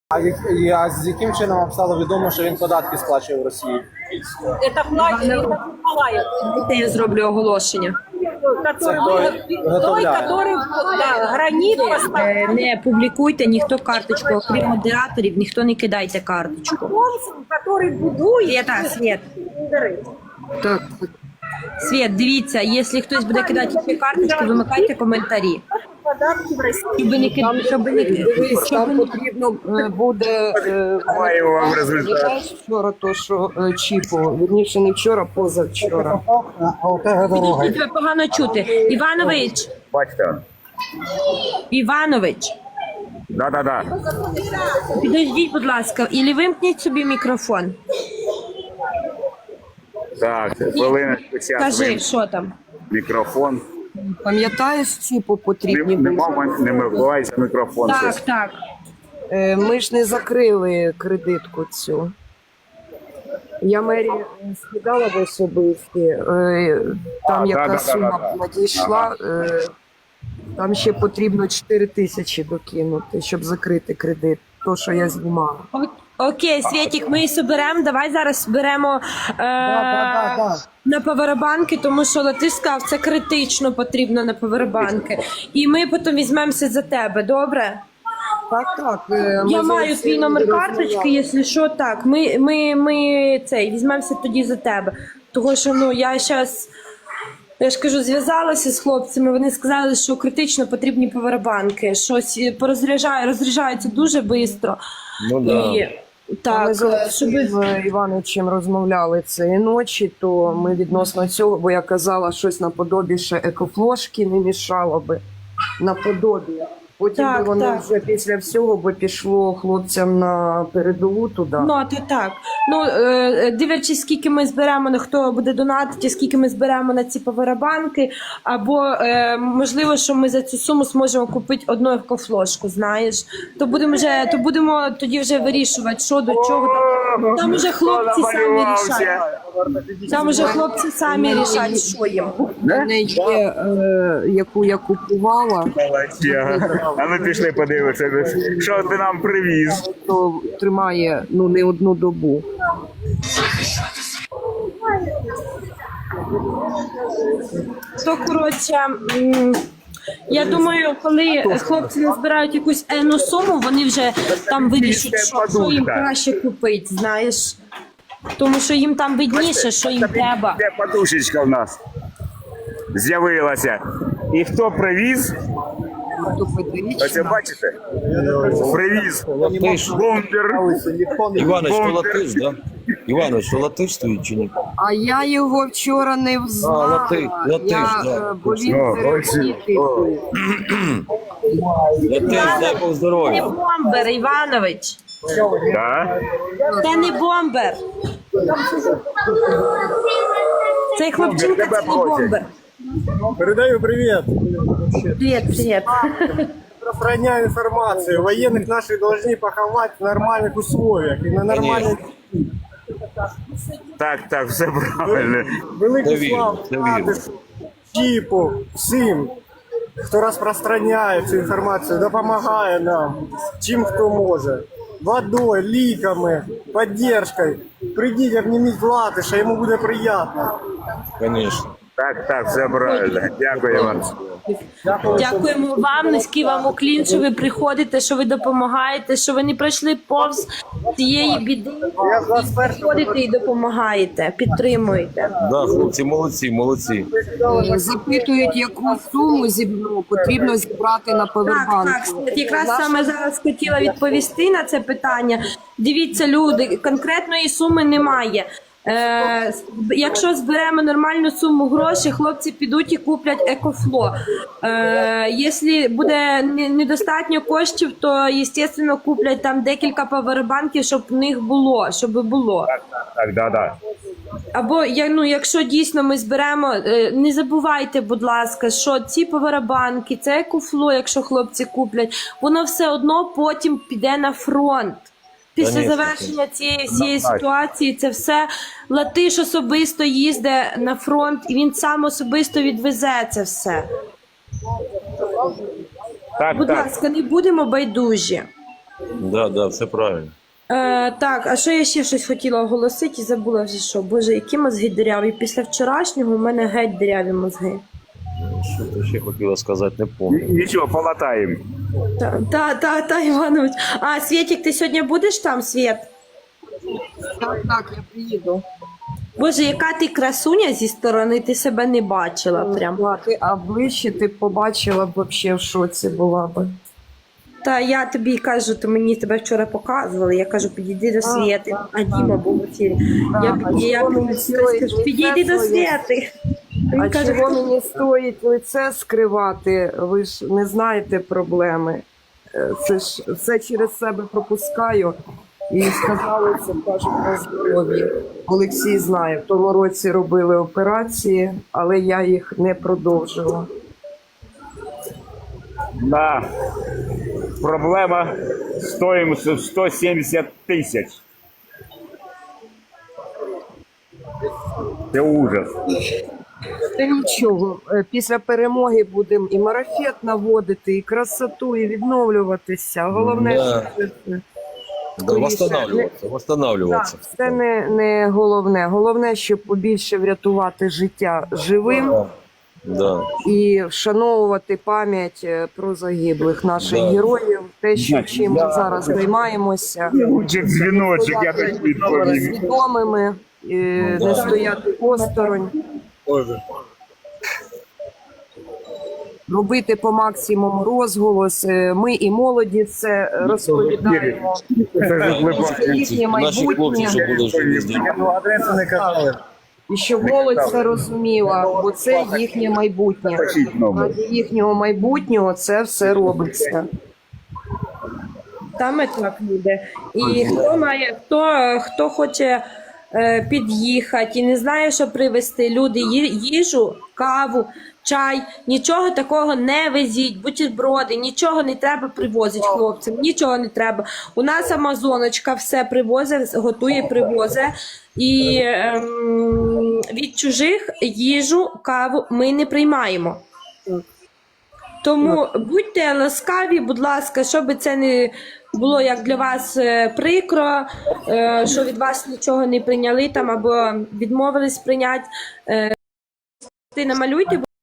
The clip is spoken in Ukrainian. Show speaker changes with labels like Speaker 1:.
Speaker 1: А з яким чином вам стало відомо, що він податки сплачує в Росії?
Speaker 2: Это платит Николаев,
Speaker 3: Я зроблю оголошення.
Speaker 2: той, который гранит поставил.
Speaker 3: Не публікуйте ніхто карточку, окрім модераторів, ніхто не кидайте карточку.
Speaker 2: Который будует.
Speaker 3: Света, Свет. Так. Свет, дивіться, якщо хтось буде кидати ще карточку, вимикайте коментарі.
Speaker 2: Податки в России.
Speaker 3: Щоб не кидати,
Speaker 4: Дивись, там потрібно буде
Speaker 5: Маємо вам результат.
Speaker 4: вчора, то що чіпу, вірніше не вчора, позавчора.
Speaker 3: Тебе погано чути. Іванович,
Speaker 5: Бачите?
Speaker 3: Іванович,
Speaker 5: Да.
Speaker 3: підождіть, будь ласка, і вимкніть собі мікрофон.
Speaker 5: Так, хвилиночку, час.
Speaker 3: Кажи, що там?
Speaker 5: Мікрофон.
Speaker 4: Пам'ятаєш, чіпу потрібні були?
Speaker 5: Не вибивайся мікрофон.
Speaker 3: Так,
Speaker 5: щось.
Speaker 3: так.
Speaker 4: Ми ж не закрили кредитку цю. Я Мері скидала в особисті, там яка
Speaker 5: да.
Speaker 4: сума надійшла, там ще потрібно 4 тисячі докинути, щоб закрити кредит, то, що я знімала.
Speaker 3: Окей, Світік, ми соберемо, давай зараз зберемо на павербанки, тому що Латиш сказав, це критично потрібно на павербанки. І ми потім візьмемося за тебе, добре?
Speaker 4: Так.
Speaker 3: Я маю твій номер карточки, якщо що, так. Ми візьмемося тоді за тебе. Тому що, я зараз, я ж кажу, зв'язалася з хлопцями, вони сказали, що критично потрібні павербанки. Щось розряджаються дуже швидко.
Speaker 5: Ну, да.
Speaker 3: І, так,
Speaker 4: Ми з
Speaker 3: щоб...
Speaker 4: Івановичем розмовляли цієї ночі, то ми відносно цього, бо я казала, щось наподобі ще екофлошки не мішало би, наподобі. Потім
Speaker 3: Так,
Speaker 4: би вони
Speaker 3: так.
Speaker 4: вже після всього би пішло хлопцям на передову туди.
Speaker 3: Так. Дивлячись, скільки ми зберемо, на хто буде донатити, скільки ми зберемо на ці павербанки, або можливо, що ми за цю суму зможемо купити одну екофлошку, знаєш. То будемо тоді вже вирішувати, що до чого. Там уже хлопці самі рішать. Там уже хлопці самі рішать, що їм.
Speaker 4: У мене є, яку я купувала,
Speaker 5: А ми пішли подивитися, що ти нам привіз.
Speaker 4: то тримає не одну добу.
Speaker 3: То, коротше, я думаю, коли хлопці назбирають якусь енну суму, вони вже там вирішать, що їм краще купити, знаєш. Тому що їм там видніше, що їм треба.
Speaker 5: Де подушечка в нас з'явилася. І хто привіз? Ось бачите? Привіз бомбер.
Speaker 6: Іванович, то латиш, да? Іванович, то латиш стоїть чи ні?
Speaker 4: А я його вчора не взнала.
Speaker 6: Латиш, да.
Speaker 4: Бо він перехідний.
Speaker 6: Латиш, дай Бог
Speaker 3: Це не
Speaker 6: здоров'я.
Speaker 3: бомбер, Іванович.
Speaker 5: Так?
Speaker 3: Це не бомбер. Цей хлопчинка це не бомбер.
Speaker 1: Передаю привіт.
Speaker 3: Привіт.
Speaker 1: Распространяю информацию. Военных наших должны поховать в нормальных условиях и на нормальных...
Speaker 5: Так, все правильно.
Speaker 1: Велику
Speaker 6: Довірю,
Speaker 1: славу
Speaker 6: довірю.
Speaker 1: Чіпу, всім, хто розпространяє цю інформацію, допомагає нам, чим хто може. Водою, ліками, підтримкою. Прийдіть, обніміть Латиша, йому буде приємно.
Speaker 6: Звісно.
Speaker 5: Так, все правильно. Дякую вам.
Speaker 3: Дякуємо вам, низький вам уклін, що ви приходите, що ви допомагаєте, що ви не пройшли повз цієї біди. Приходите і допомагаєте, підтримуєте.
Speaker 6: Да, хлопці, молодці.
Speaker 4: Запитують, яку суму потрібно зібрати на павербанк.
Speaker 3: Так, якраз саме зараз хотіла відповісти на це питання. Дивіться, люди, конкретної суми немає. Якщо зберемо нормальну суму грошей, хлопці підуть і куплять екофло. Якщо буде недостатньо коштів, то, звісно, куплять там декілька павербанків, щоб в них було,
Speaker 5: Так, да.
Speaker 3: Або, якщо дійсно ми зберемо, не забувайте, будь ласка, що ці павербанки, це екофло, якщо хлопці куплять, воно все одно потім піде на фронт. Після
Speaker 6: Конечно.
Speaker 3: завершення цієї всієї ситуації це все Латиш особисто їздить на фронт і він сам особисто відвезе це все. Будь
Speaker 5: Так.
Speaker 3: ласка, не будемо байдужі.
Speaker 6: Да, все правильно.
Speaker 3: Так, а що я ще щось хотіла оголосити і забула вже що. Боже, які мозги диряві. Після вчорашнього у мене геть диряві мозги.
Speaker 6: Що ти ще хотіла сказати, не пам'ятаю.
Speaker 5: Нічого, полатаємо.
Speaker 3: Та, Іванович. А, Свєтік, ти сьогодні будеш там, Свєт?
Speaker 4: Так, я приїду.
Speaker 3: Боже, яка ти красуня зі сторони, ти себе не бачила прям.
Speaker 4: А ближче ти б побачила б вообще в шоці була б.
Speaker 3: Та я тобі кажу, то мені тебе вчора показували. Я кажу, підійди до Свєти. А Діма був в ефірі. Я кажу, підійди до Свєти. Він
Speaker 4: А
Speaker 3: каже,
Speaker 4: чого мені стоїть лице скривати? Ви ж не знаєте проблеми. Це ж все через себе пропускаю. І сказали, це кажуть на здоров'ї. Олексій знає, в тому році робили операції, але я їх не продовжила.
Speaker 5: Да. Проблема стоїмостю 170 тисяч. Це ужас.
Speaker 4: Та нічого, після перемоги будемо і марафет наводити, і красоту, і відновлюватися. Головне,
Speaker 6: Да.
Speaker 4: що це.
Speaker 6: Да, восстанавливаться.
Speaker 4: Так, це не головне. Головне, щоб побільше врятувати життя живим
Speaker 6: Да.
Speaker 4: і вшановувати пам'ять про загиблих наших
Speaker 6: Да.
Speaker 4: героїв. Те, що чим ми зараз займаємося,
Speaker 5: Лучше дзвіночок, я так відповім.
Speaker 4: свідомими, не стояти осторонь. Робити по максимуму розголос. Ми і молоді це розповідаємо. Це їхнє
Speaker 6: Наші хлопці,
Speaker 4: майбутнє.
Speaker 6: що були живі здорові.
Speaker 1: Ну, адресу не казали.
Speaker 4: І щоб молодь це розуміла, бо це їхнє майбутнє. Ради їхнього майбутнього це все робиться.
Speaker 3: там і так буде. І хто хоче під'їхати і не знає, що привезти, люди, їжу, каву, чай, нічого такого не везіть, бутерброди, нічого не треба привозити хлопцям, нічого не треба. У нас Амазоночка все привозить, готує, привозить. І від чужих їжу, каву ми не приймаємо. Тому будьте ласкаві, будь ласка, щоб це не було як для вас прикро, що від вас нічого не прийняли там або відмовились прийняти. Намалюйте,